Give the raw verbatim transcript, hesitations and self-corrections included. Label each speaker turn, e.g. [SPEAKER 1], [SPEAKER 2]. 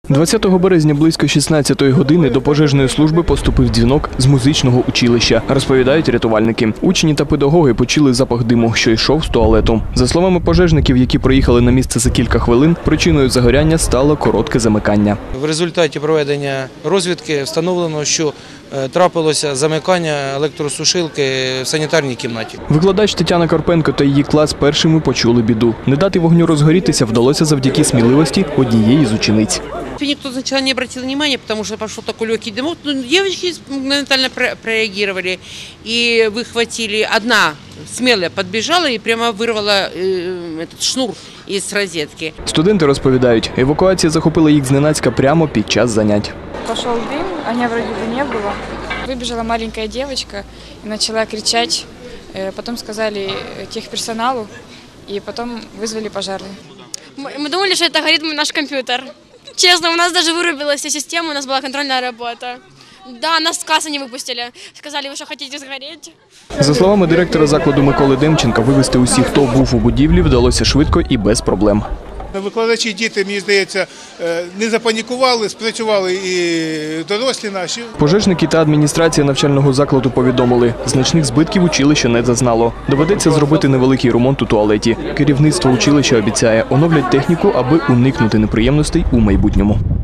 [SPEAKER 1] двадцятого березня близько шістнадцятої години до пожежної служби поступив дзвінок з музичного училища, розповідають рятувальники. Учні та педагоги почули запах диму, що йшов з туалету. За словами пожежників, які приїхали на місце за кілька хвилин, причиною загоряння стало коротке замикання.
[SPEAKER 2] В результаті проведення розвідки встановлено, що трапилося замикання електросушилки в санітарній кімнаті.
[SPEAKER 1] Викладач Тетяна Карпенко та її клас першими почули біду. Не дати вогню розгорітися вдалося завдяки сміливості однієї з учениць.
[SPEAKER 3] Никто сначала не обратил внимания, потому что пошел такой легкий дымок. Но девочки моментально прореагировали и выхватили. Одна смелая подбежала и прямо вырвала э, этот шнур из розетки.
[SPEAKER 1] Студенти розповідають, евакуація захопила їх зненацька прямо під час занять.
[SPEAKER 4] Пошел дым, огня вроде бы не было. Выбежала маленькая девочка и начала кричать. Потом сказали техперсоналу и потом вызвали пожарных.
[SPEAKER 5] Мы думали, что это горит наш компьютер. Честно, у нас даже вырубилась вся система, у нас была контрольная работа. Да, нас с класса не выпустили. Сказали, вы что, хотите сгореть?
[SPEAKER 1] За словами директора закладу Миколи Демченка, вивезти усіх, хто був у будівлі, вдалося швидко і без проблем.
[SPEAKER 6] Викладачі, діти, мені здається, не запанікували, спрацювали і дорослі наші.
[SPEAKER 1] Пожежники та адміністрація навчального закладу повідомили, значних збитків училище не зазнало. Доведеться зробити невеликий ремонт у туалеті. Керівництво училища обіцяє, оновлять техніку, аби уникнути неприємностей у майбутньому.